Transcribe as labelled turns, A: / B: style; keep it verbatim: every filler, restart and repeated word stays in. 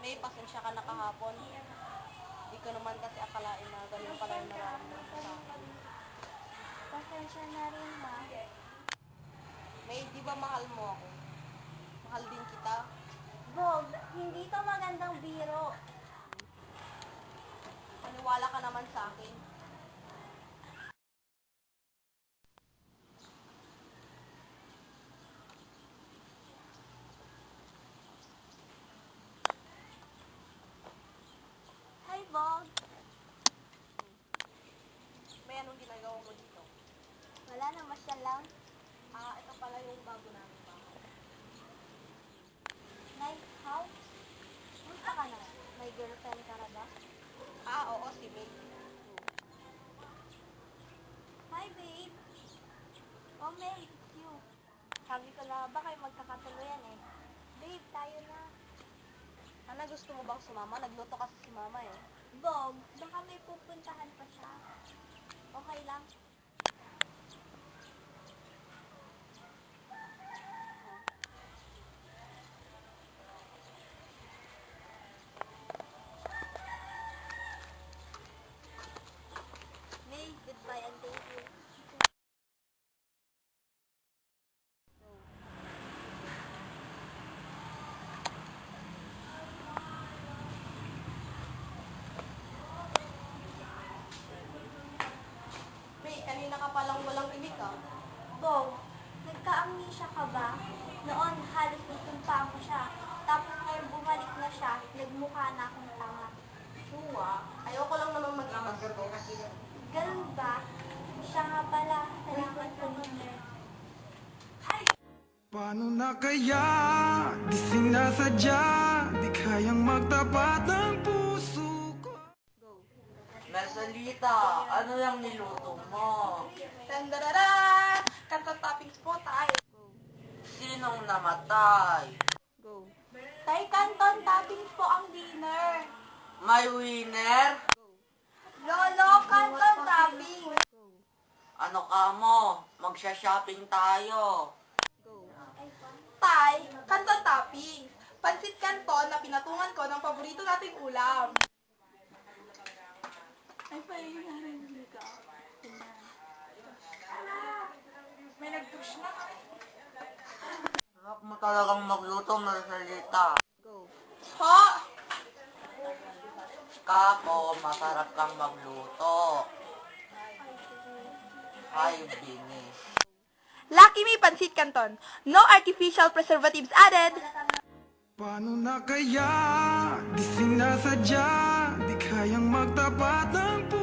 A: May pasensya ka na kahapon. Di ko naman kasi akalain na ganun pala yung nararamdaman ko sa akin.
B: Pasensya na rin, ma.
A: May, di ba mahal mo ako? Mahal din kita.
B: Bog, hindi to magandang biro.
A: Paniwala ka naman sa akin.
B: Hi, Bog.
A: May anong ginagawa mo dito?
B: Wala na, masyal lang.
A: Ah, ito pala yung bago namin bahay.
B: Nice house. Musta ka na? May girlfriend ka na ba?
A: Ah, oo, si May.
B: Hi, babe. Oh, May, it's you. Sabi ko na ba kayo magkakatuluyan eh. Babe, tayo na.
A: Ana, gusto mo bang sumama? Nagluto kasi si mama eh.
B: Bog, baka may pupuntahan pa siya. Okay lang. May, goodbye and thank you.
A: May, kanina ka palang walang imik ah.
B: Bog, nagka-amnesia ka ba? Noon, halos nagtumpaan ko siya. Tapos ngayon bumalik na siya, nagmukha na akong tanga.
A: Suwa, ayoko lang naman mag-imastos.
B: Ganun ba? Siya nga pala, salamat sa number.
C: Paano na kaya? Di sinasadya, di kayang magtapat ng puso ko.
D: Marcelita, ano yung niluto mo?
A: Tandararan! Kanta toppings po tayo.
D: Sinong namatay?
A: Go.
B: Tay Canton, toppings po ang dinner.
D: May winner?
B: Lolo, Canton toppings.
D: Ano ka mo? Magsha-shopping tayo.
A: Go.
E: Tay, canton toppings. Pansit canton na pinatungan ko ng paborito nating ulam. Ay, pahingarin ka. May nag-touch na.
D: Sarap mo talagang magluto, Marcelita.
A: Go.
E: Ho!
D: Kako, masarap kang magluto. Hi, Binis.
E: Lucky Me Pansit Canton. No artificial preservatives added.
C: Paano na kaya? Di sinasadya, di kayang magtapat ng puso